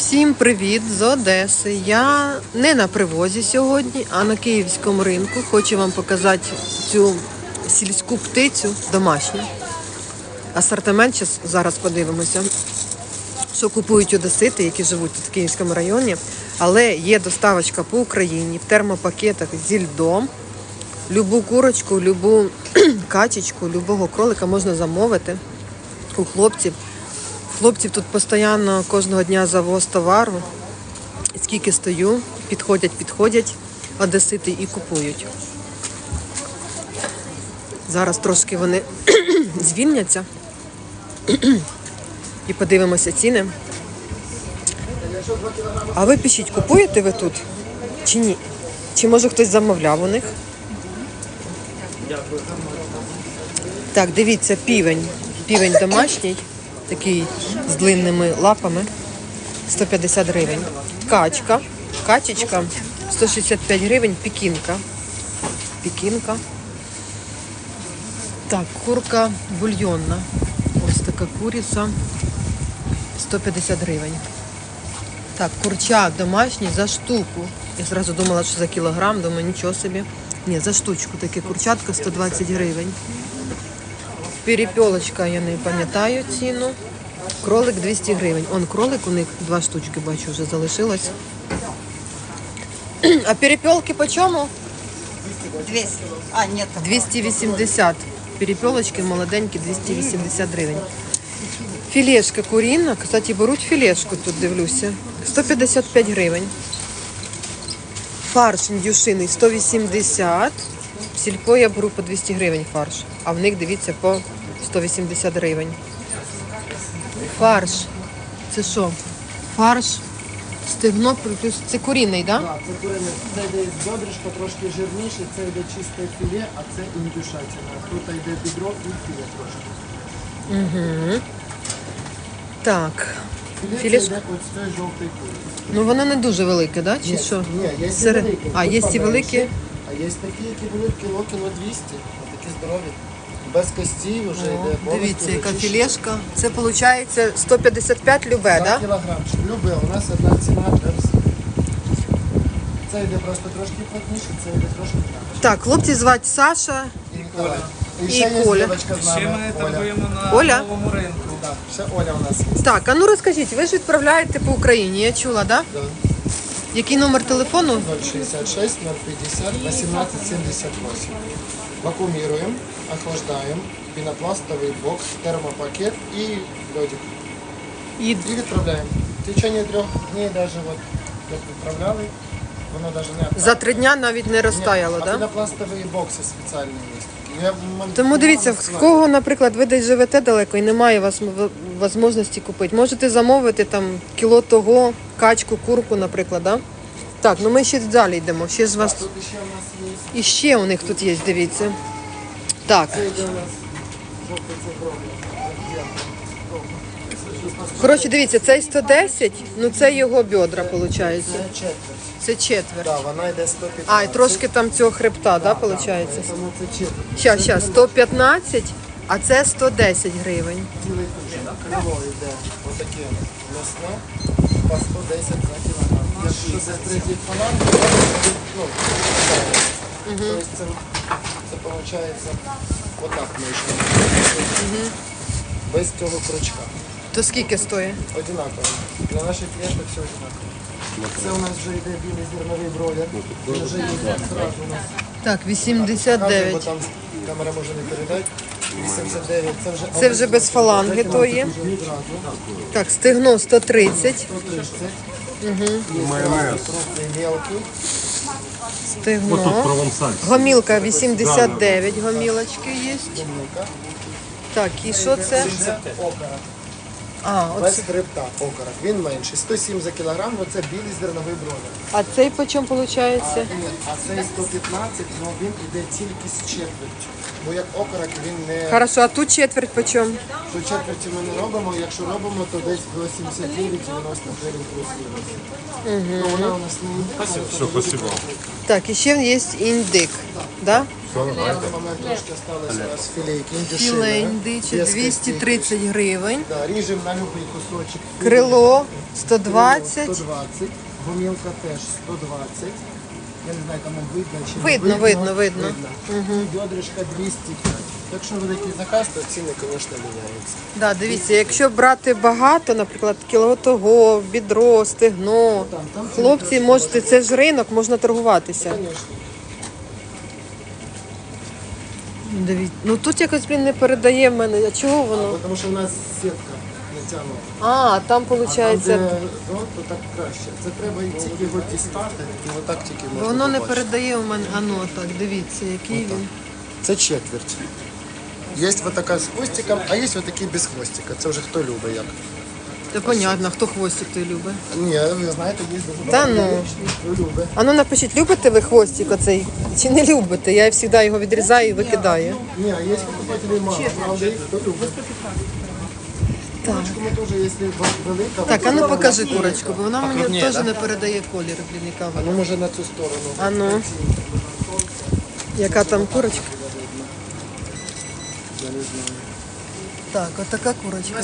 Всім привіт з Одеси. Я не на привозі сьогодні, а на київському ринку. Хочу вам показати цю сільську птицю домашню. Асортимент зараз подивимося, що купують одесити, які живуть тут в Київському районі. Але є доставочка по Україні в термопакетах зі льдом. Любу курочку, любу качечку, любого кролика можна замовити у хлопців. Хлопців тут постійно кожного дня завоз товару. Скільки стою, підходять одесити і купують. Зараз трошки вони звільняться і подивимося ціни. А ви пишіть, купуєте ви тут чи ні? Чи може хтось замовляв у них? Так, дивіться, півень. Півень домашній, такий з длинними лапами, 150 гривень. Качечка, 165 гривень, пекінка. Так, курка бульйонна. Ось така куриця, 150 гривень. Так, курчак домашній за штуку. Я одразу думала, що за кілограм, думаю, нічого собі. Ні, за штучку таке курчатка, 120 гривень. Перепелочка, я не пам'ятаю ціну. Кролик 200 гривень. Он кролик, у них 2 штучки, бачу, вже залишилось. А перепелки по чому? 200. А, нет. 280. Перепелочки молоденькі, 280 гривень. Філешка куріна. Кстати, беруть філешку тут, дивлюся. 155 гривень. Фарш індюшиний 180. В сільпо я беру по 200 гривень фарш. А в них, дивіться, по 180 гривень. Фарш. Це що? Фарш, стегно, плюс... Це курінний, так? Да? Так, це курине. Це йде бедришко, трошки жирніше, це йде чисте філе, а це індюшатина. Тут йде бідро і філе трошки. Угу. Так. Філе це йде ось з цієї жовтої кури. Ну воно не дуже велике, так? Да? Чи що? Ні, є і Серед... великі. А, є і великі? А є такі, які беруть кіло 200. Такі здорові. Без костей вже йде. Дивіться, яка філешка. Це виходить 155 любе, так? 2 Да? кілограмчик. Любе, у нас одна ціна. Це йде просто трошки плотніше, це йде трошки краще. Так, хлопці звати Саша. І Коля. І ще є Коля. дівчинка з Ще нами, ми Оля. торгуємо на Оля? новому ринку. Так, ще Оля у нас є. Так, а ну розкажіть, ви ж відправляєте по Україні, я чула, так? Да? Да. Який номер телефону? 066 050 1878. Вакуумируем, охлаждаем, пенопластовый бокс, термопакет и ледик. І... И відправляем. В течение 3 дней даже вот як відправляли, воно даже не За 3 дня навіть не розтаяло, а так? Да? пенопластові бокси спеціальні є. Тому дивіться, в кого, наприклад, ви десь живете далеко і немає у вас можливості купити. Можете замовити там кіло того, качку, курку, наприклад, да? Так, ну ми ще далі йдемо. Ще ж вас... Тут ще у нас є. І ще у них тут є, дивіться. Так, Це йде у нас жовтий цукровий. коротше, дивіться, цей 110, ну це його бедра, виходить. Це четверть. Це четверть. Да, вона йде 115. А, і трошки там цього хребта, да, виходить? Тому це четверть. Щас, 115, а це 110 гривень. Цілий кушак. Крило йде отаке м'ясне по 110 за кілограм. Якщо це третій фаланг, то ну, тобто це виходить отак вийшло. Без цього крючка. То скільки стоїть? Одинаково. Для наших клієнтів все одинаково. Це у нас вже йде білий зерновий бройлер. Він вже йде одразу у нас. Так, Бо 89. там камера може не передати. 89. Це вже без фаланги то є. Так, стегно 130. 130. Майонез. Крупний, мелкий. Стегно. Гомілка 89, гомілочки є. Гомілка. Так, і що це? Це окорок. А, Без оце. хребта окорок. Він менший. 107 за кілограм, оце білий зерновий бройлер. А цей по чому виходить? А цей 115, але він іде тільки з четвертю. Бо як окорок він не... Хорошо, а тут четверть по чому? До четверті ми не робимо, якщо робимо, то десь до 79-90 гривень плюс мінус. Ну, вона у нас не індик. Все, спасибо. Так, і ще є індик. Да? На даний момент трошки осталось у нас філейки індюшини. Філе індиче Без 230 гривень. Да, ріжемо на любий кусочок. Крило 120. 120. Гумілка теж 120. Я не знаю, там видно чи Видно, не видно, видно. І бедрышка 205. Якщо великий заказ, то ціни, звісно, міняються. Да, дивіться, якщо брати багато, наприклад, кіло того, бідро, стегно, хлопці, можете, це ж ринок, можна торгуватися. Звісно. Дивіться, ну тут якось, блін, не передає в мене. А чого воно? Тому що в нас сітка натягнута. А, там А виходить, там, де зон, то так краще. Це треба тільки його дістати, і отак тільки можна воно не побачити. передає в мене. А ну так, дивіться, який він. Це четверть. Є ось така з хвостиком, а є ось такі без хвостика. Це вже хто любить як. Та понятно, хто хвостик той любить. Ні, ви знаєте, є дуже Та багато ну. людей, хто любить. А ну напишіть, любите ви хвостик оцей чи не любите? Я завжди його відрізаю і викидаю. Ні, є покупателі мало, правда, їх хто любить. Курочку ми теж, якщо велика... Так, а ну вона покажи є. курочку, бо вона мені Покрупніє, теж да? не передає колір, блін, яка А вона. ну може на цю сторону. А ну, яка там курочка? Я не знаю. Так, вот такая курочка.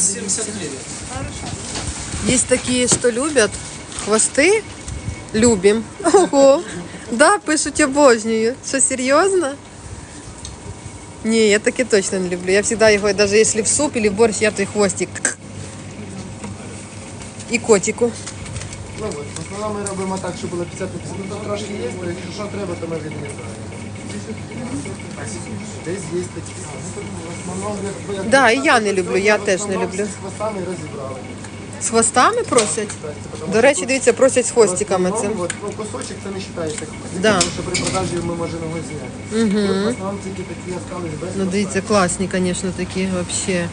Есть такие, что любят хвосты. Любим. Ого. Да, пишуть обожнюю. Що, серйозно? Ні, я таке точно не люблю. Я всегда його, навіть якщо в суп или в борщ, я той хвостик. І котику. Ну от, в основному ми робимо так, щоб було 50-50. Ну там трошки є, то якщо що треба, то ми відрізаємо. Десь є такі. В основному, як Да, і я не люблю, я теж не люблю. з хвостами розібрали. З хвостами просять? До речі, дивіться, просять з хвостиками цим. От, ну, кусочок це не вважається хвостик, Да. тому що при продажі ми можемо його зняти. Угу. В основному тільки такі остались без Ну дивіться, класні, звісно, такі взагалі.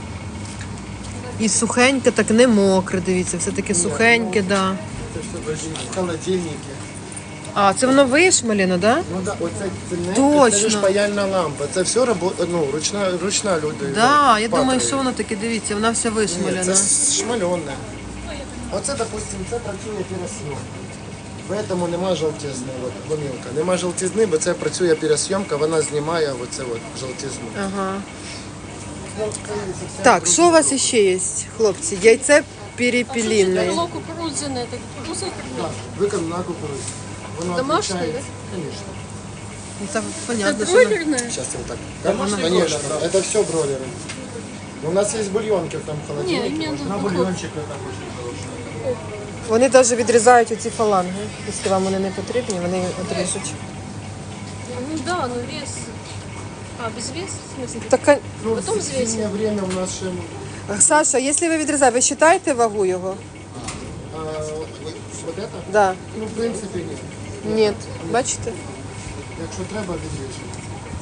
І сухеньке, так не мокре, дивіться, все таке сухеньке, да. Це все в холодильники. А, це воно вишмалено, да? Ну да, оце це Точно. ж паяльна лампа. Це все ну, ручна люди. Да, я думаю, патрою. що воно таке, дивіться, вона вся Ні, вишмалена. це шмальонне. Оце, допустимо, це працює пересйомка. Тому нема жовтизни, от, гомілка. Нема жовтизни, бо це працює пересйомка, вона знімає оце от жовтизну. Ага. Ну, це зовсім Так, що у вас ще є, хлопці? Яйце перепелине. Крыло кукурузное, это кукуруза и крыло. так, виконано на кукурудзі. Воно Домашнє, отличається. Конечно. Ну, це понятно, Это що... воно- бройлерное? Сейчас я так. Конечно, это все бройлеры. У нас есть бульонки в том Не, холодильнике. именно можно. бульончик. Вони навіть відрізають оці фаланги. Якщо вам вони не потрібні, вони отріжуть. Ну да, но вес. А, без веса? В смысле? Так, а- Ну, Потом в взвесим. зимнее время у нас ще... Саша, якщо ви відрізаєте, ви вважаєте вагу його? Вот это? Да. Ну, в принципі, ні. Ні. Бачите? Якщо треба, відріжемо.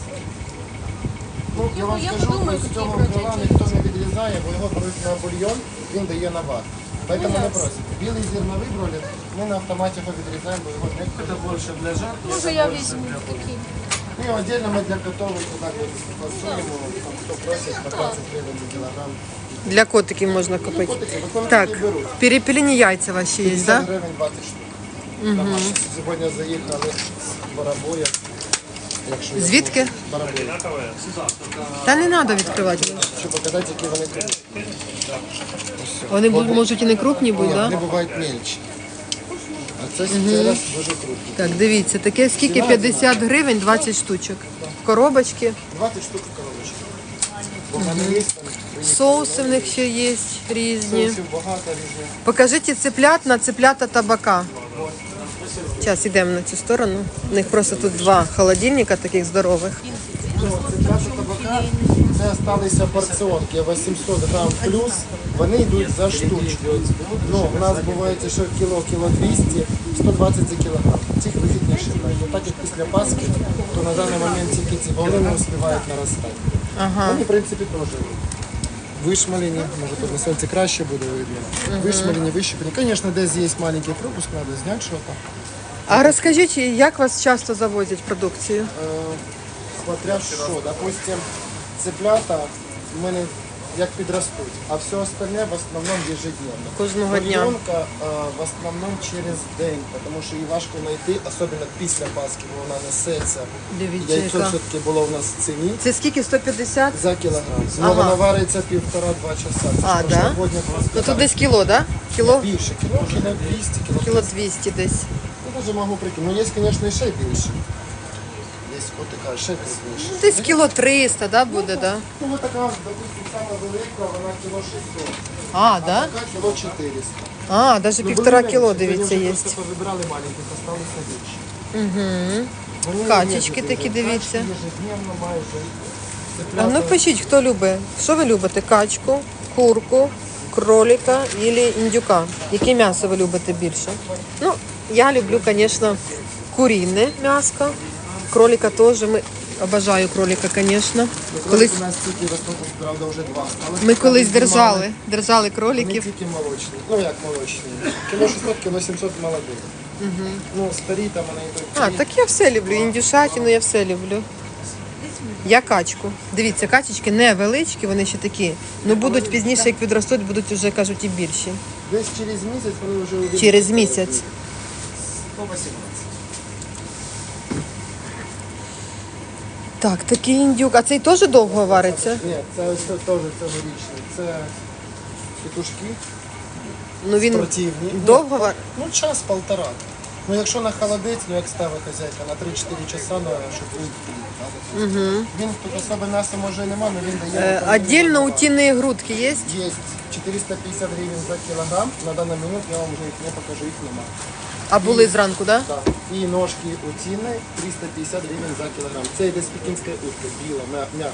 Ну, я вам я скажу, подумаю, з які цього брати крила ці. ніхто не відрізає, бо його беруть на бульйон, він дає на ват. Поэтому не ясно. просить. Білий зерновий бролер, ми на автоматі його відрізаємо, бо його не Это больше для жарки. Може я візьму такі. Ну, і отдельно ми для котових так от фасуємо, там, хто просить по 20 гривень за кілограм. Для котиків можна купити. Котики, виконують Так, і беруть. перепелені яйця ваші є, 50 так? гривень 20 штук. Домашні. Сьогодні заїхали з Барабоя. Якщо я Звідки? можу. Барабоя. Та не треба відкривати. Щоб показати, які вони крупні. Вони можуть і не крупні бути, Ні, так? вони бувають мельчі. А це зараз дуже крупні. Так, дивіться, таке скільки 50 гривень, 20 штучок. Коробочки, 20 штук в коробочці. Бо в мене є там соуси в них ще є різні. соусів багато різних. Покажіть цеплят на цеплята табака. Зараз йдемо на цю сторону. У них просто тут два холодильника таких здорових. Цеплята табака, це залишилися порціонки 800 грам плюс, вони йдуть за штучку. Ну, у нас буває, що кіло 200, 120 за кілограм. Цих вигідніше брати. Ну, так як після Пасхи, то на даний момент тільки ці вони не успівають наростати. Вони, в принципі, теж вишмалені, може тут на сонці краще буде видно. Вишмалені, вищеплені. Звісно, десь є маленький пропуск, треба зняти щось. А розкажіть, як вас часто завозять продукцію? Смотря що, допустим, цеплята, в мене як підростуть. А все остальне в основному ежедневно. Кожного дня. Бульйонка в основному через день, тому що її важко знайти, особливо після Пасхи, бо вона несеться. Дивіться, Яйцо яка. все-таки було в нас в ціні Це скільки? 150? за кілограм. Ну, Ага. вона вариться 1,5-2 часа. Це А, ж да? прошлогодня була Ну тут десь кіло, да? Кіло? більше, кіло 200, Кіло 200 десь. Я даже можу прикинути. Ну, є, звісно, і ще більше. Є, от така, ще більше. Десь кіло 300, да, буде, да? Ну, ось така, допустим, сама велика, вона кіло 600. А, да? Така кіло 400. А, навіть Ну, 1,5 були кіло, менші, дивіться, вони є. вже просто повибирали маленьких, осталися більше. Угу. Вони Качечки є такі, качки дивіться. ежедневно майже. А ну пишіть, хто любить. Що ви любите? Качку, курку, кролика или індюка? Яке м'ясо ви любите більше? Ну, я люблю, звісно, куріне м'ясо. Кролика теж. Ми обожаю кролика, звісно. Колись У нас тільки в основному, правда, вже два. Але ми колись знімали. держали Вони кроликів. тільки молочні. Ну як молочні? Кіло 600, кіло 700 молодих. Ну, старі там вони йдуть. А, так я все люблю. Індюшатину я все люблю. Я качку. Дивіться, качечки невеличкі, вони ще такі. Ну будуть пізніше, як підростуть, будуть вже, кажуть, і більші. Десь через місяць вони вже увійдуть. Через місяць. 118. Так, такий індюк. А цей теж довго вариться? Ні, це ось теж цьогорічний. Це петушки Ну він спортивні. довго вариться? Ну, час-полтора. Ну, якщо на холодець, ну як ставить хазяйка, на 3-4 часа, ну, щоб він угу. Він тут особи м'яса може і нема, але він дає. Отдельно утиные грудки є? Є 450 гривень за кілограм. На даний момент я вам вже їх не покажу, їх нема. А були зранку, так? Да? Так. І ножки утіни 350 гривень за кілограм. Це йде з пекінської утки, біла, м'яка.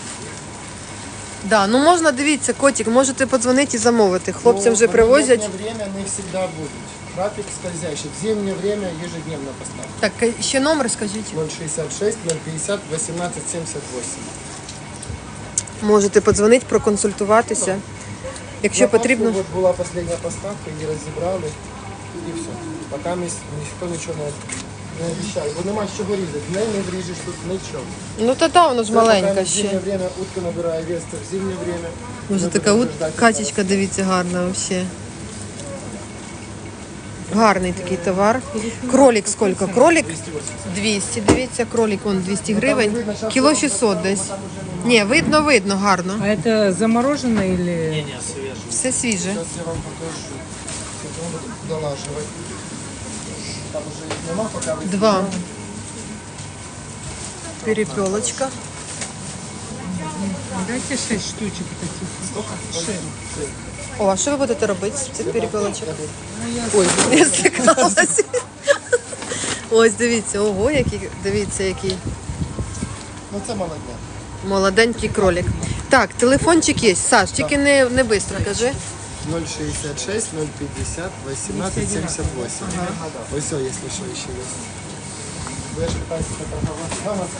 Да, ну можна, дивіться, котик, можете подзвонити і замовити. Хлопцям вже привозять. В летнее время не всегда будут. Трафик скользящий. В зимнее время ежедневно поставка. Так, ще номер скажіть. 066 050 1878. Можете подзвонити, проконсультуватися. Якщо На Пасху потрібно. от була остання поставка, її розібрали і все. Поки ніхто нічого не обіцяє. Бо нема з чого різати. В неї не вріжеш тут нічого. Ну та да, воно ж маленька Поки в зимнє ще. время утка набирає вес, то в зимнє время. Може ми така будемо ждати качечка, дивіться, гарна взагалі. Гарний такий товар. Кролик скільки? Кролик 200, дивіться, кролик вон 200 гривень. Кіло 600 десь. Ні, видно, гарно. А это заморожено или... Все свіже. Зараз я вам покажу. Це буду долажувати. Там вже їх нема, поки ви... Два. Перепелочка. Дайте 6 штучек таких. О, а що ви будете робити з цих перепелочок? Ой, я стикалася. Ось, дивіться, ого, дивіться, який Ну це молодня. молоденький кролик. Так, телефончик є. Саш, тільки не швидко кажи. 066 050 1878. Ось все, якщо що, ще є. Бо я ж питаюся поторгувати.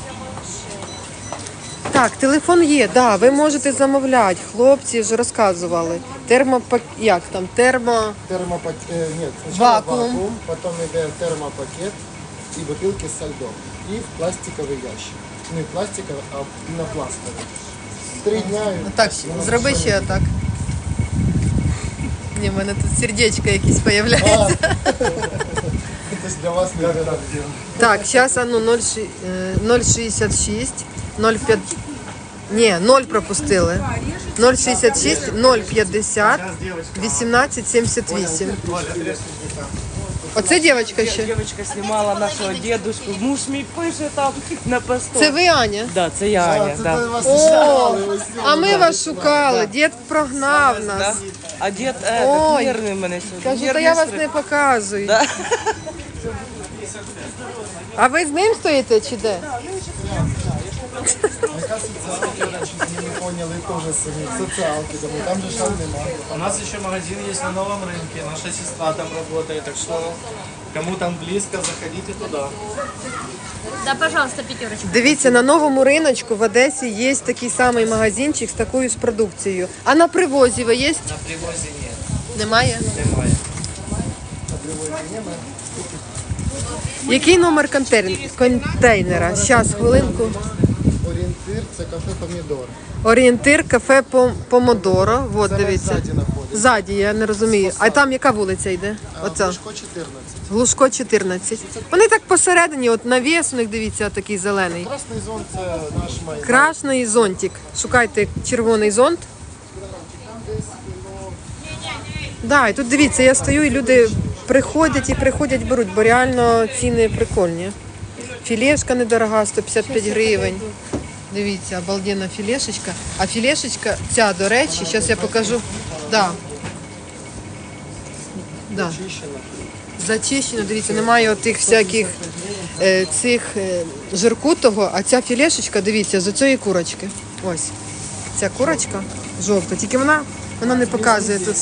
Так, телефон є, да, ви можете замовляти. Хлопці вже розказували. Як там? Термопакет, ні, спочатку Вакуум. вакуум, потім йде термопакет і бутилки з льдом. І в пластиковий ящик. Не пластиковий, а пінопластовий. 3 дня. і- Так, зроби ще так. Ні, в мене тут сердечко якесь з'являється. Це ж для вас не так. Так, зараз ну 066, 05... Ні, 0 пропустили. 066, 050, 1878. Оце дівчинка ще. Девочка снимала нашего дедушку. Муж мій пише там на посту. Це ви, Аня? Да, це я, Аня, Це да. вас О, шукали, ось а ми вас шукали. Дід прогнав Да. нас. А дід Ой. нервний мене сьогодні. Кажу, та Нервний я вас стрес. не показую. Да. А ви з ним стоїте чи де? Яка соціалка, чуть не поняли, теж самі. Соціалки, тому там же шан нема. У нас еще магазин есть на новом рынке, наша сестра там работает, так что кому там близко, заходите туда. Да, пожалуйста, пятерочку. Дивіться, на новому риночку в Одесі є такий самий магазинчик з такою ж продукцією. А на привозі ви є? На привозе нет, Немає? немає. Який номер контейнера? Зараз, хвилинку. Орієнтир це кафе Помідор. Орієнтир кафе Помодоро. Вот, Зараз дивіться. ззаді знаходиться. Ззаді, я не розумію. А там яка вулиця йде? Оця. Глушко 14. Глушко 14. Вони так посередині, от навіс у них, дивіться, такий зелений. Красний зон це наш майдан. Красний зонтик. Шукайте червоний зонт. Да, і тут дивіться, я стою і люди приходять, беруть, бо реально ціни прикольні. Філешка недорога, 155 гривень. Дивіться, обалденна філешечка. А філешечка ця, до речі, зараз я покажу. Да. Да. Зачищено, дивіться, немає отих всяких цих жиркутого, а ця філешечка, дивіться, з оцієї курочки. Ось. Ця курочка жовта, тільки вона не показує тут.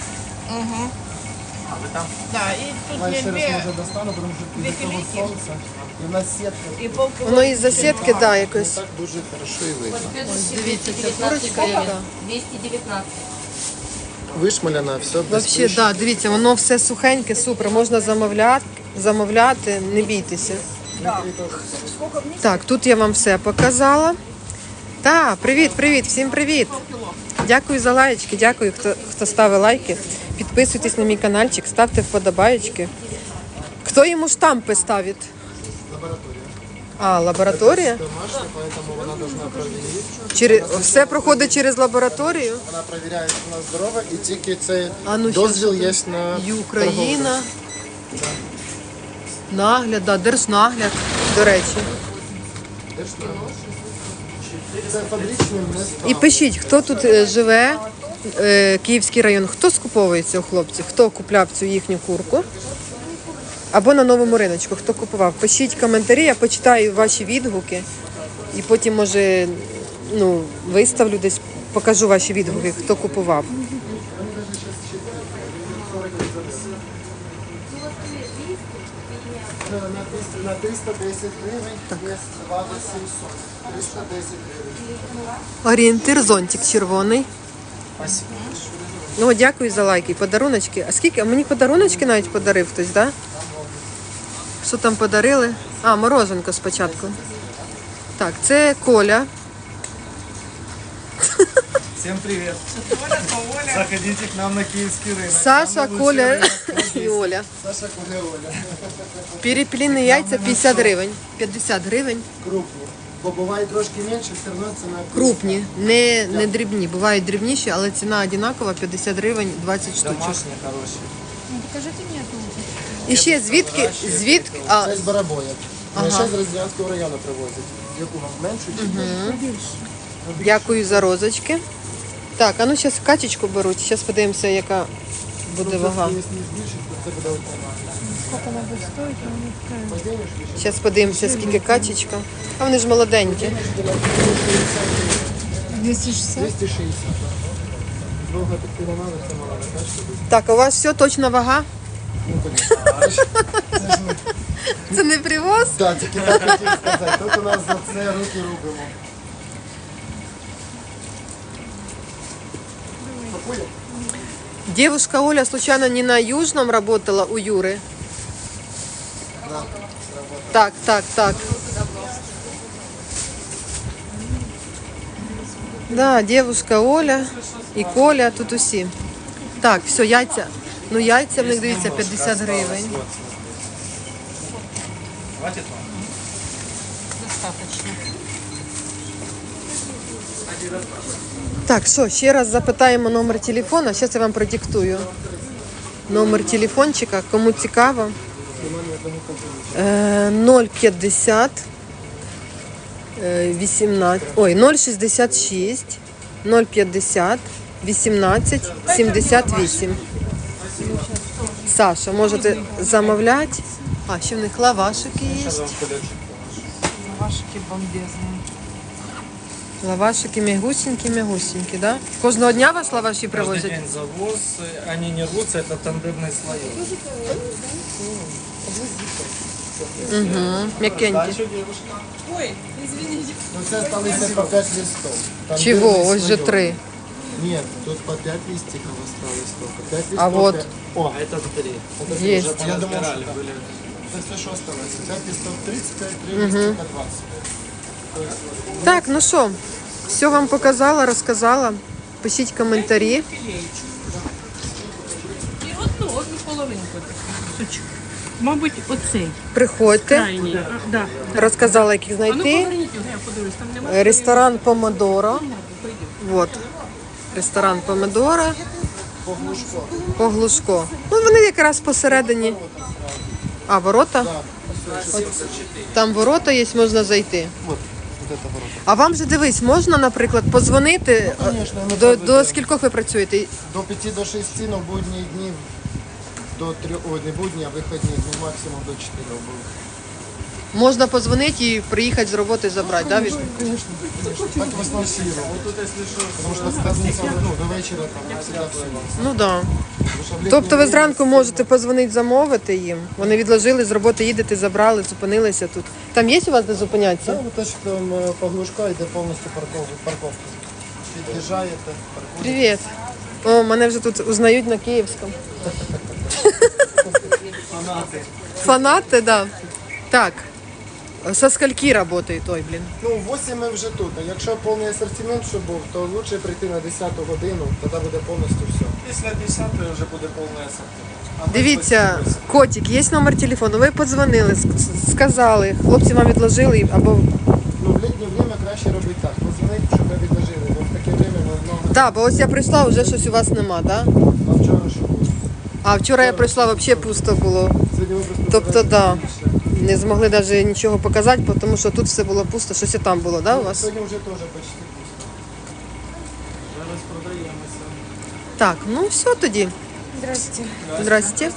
Да, и тут Я ще раз две, може достану, тому що від того сонця. І в нас сітка. и полкило. Воно із засідки, да, якось. Так дуже хорошо і видно. Дивіться, ця курочка яка. 219. Вишмаляна, все без Взагалі, да, дивіться, воно все сухеньке, супер. Можна замовляти, не бійтеся. Так, тут я вам все показала. Так, привіт, всім привіт. Дякую за лайки, дякую, хто ставить лайки. Підписуйтесь на мій каналчик, ставте вподобаєчки. Хто йому штампи ставить? Лабораторія? домашня, поэтому вона должна проверити. Все проходить через лабораторію. Вона перевіряє, що вона здорова, і тільки цей А ну, дозвіл є на І Україна. Нагляд, да, держнагляд, до речі. торговлю. Це фабричний не І пишіть, хто тут живе, Київський район, хто скуповується у хлопців, хто купляв цю їхню курку. Або на новому риночку, хто купував. Пишіть коментарі, я почитаю ваші відгуки. І потім, може, виставлю десь, покажу ваші відгуки, хто купував. на 310 гривень, є вага 700. 310 гривень. Орієнтир зонтик червоний. Ну, дякую за лайки, подаруночки. А скільки? А мені подаруночки навіть подарив хтось, так? Да? Що там подарили? Мороженко спочатку. Так, це Коля. Всем привет. Заходите к нам на киевский рынок. Саша, Самый лучший Коля рынок. і Оля. Саша Коля Оля. Перепіліні яйця 50 гривень. 50 гривень. Крупні. Бо буває трошки менше, все одно ціна Крупні, не дрібні. Бувають дрібніші, але ціна одинакова, 50 гривень, 20 штучок. Домашний хороший. І ще звідки? Це з Барабоя. Ага. Ще з Розділянського району привозять. Яку вам меншу чи більшу? Дякую за розочки. Так, а ну зараз качечку беруть. Зараз подивимося, яка буде вага. Якщо не збільшить, то це буде окремо. Зараз подивимося, скільки качечка. А вони ж молоденькі. 260. Довго таки не треба, все мало не кажете. Так, а у вас все точно вага? Ну, конечно. Це не привоз? Так, тільки так хотів сказати. Тут у нас за це руки робимо. Девушка Оля случайно не на Южном работала у Юры? Так. Да, девушка Оля і Коля, тут усі. Так, все, яйця. Ну, яйця в них, дивіться, 50 гривень. Хватит вам? Так, що, ще раз запитаємо номер телефона. Зараз я вам продиктую. Номер телефончика, кому цікаво. 050 066 050 18 78. Саша, можете замовляти. А, ще в них лавашики є. Вашики бомбезные. Лавашики мягусенькі, да? Кожного дня вас лаваші Каждый привозять? день завоз, они не рвутся, это тандемный слои. М'якенькі. Дальше девушка. Ну це сталося по 5 листов. Там Чого? дивний Ось же слоєм. 3. Нет, тут по 5 листиков осталось только. 5 листов. А вот. О, А это 3. Є. я думал, Разбирали, что были. это все, что осталось. 5 листов 35, 3 листика 20. Так, ну що, все вам показала, розказала. Пишіть коментарі. І одну половинку таку. Мабуть, оцей. Приходьте. Крайній. Да. Розказала, як їх А ну знайти. поверніть його, я подивлюсь, там немає. Ресторан Помодоро. Вот. Ресторан Помодоро. По Глушко. Ну, вони якраз посередині. А, ворота? Там ворота є, можна зайти. Вот это ворота. А вам же дивись, можна, наприклад, позвонити. Конечно, ми До завжди. скількох ви працюєте? До 5 до 6, но будні дні до 3, ой, не будні, а вихідні дні максимум до 4 були. Можна позвонити і приїхати з роботи забрати, да? Конечно, так в основному всі роблять. Тому що з п'ятниці, ну, до вечора там всегда всі. Ну так. Да. Тому що в літній Тобто ви день зранку можете позвонити, замовити їм. Вони відложили з роботи, їдете, забрали, зупинилися тут. Там є у вас де зупинятися? Та, те, що там по Глушка йде повністю парковка. Під'їжджаєте, паркуєте. Привіт. О, мене вже тут узнають на київському. Фанати, да. Так. Со скольки працює той, блін? Ну, в 8 ми вже тут. А якщо повний асортимент, щоб був, то краще прийти на 10 годину, тоді буде повністю все. Після 10 вже буде повний асортимент. А ми Дивіться, ось- котик, є номер телефону. Ви подзвонили, сказали, хлопці вам відложили, або. Ну, в літнє время краще робити так. Позвонити, щоб ви відложили. Бо в таке время ми много. Так, бо ось я прийшла, вже щось у вас нема, так? Да? А вчора що було? А вчора я прийшла, взагалі пусто було. Сьогодні ви просто Тобто, забираєте да. більше. Не змогли навіть нічого показати, тому що тут все було пусто, щось і там було, да, у вас? Сьогодні вже теж почти пусто. Зараз продаємося. Так, ну все тоді. Здрасте.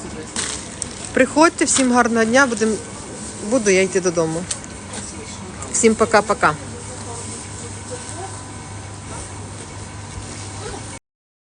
Приходьте, всім гарного дня, буду я йти додому. Всім пока-пока.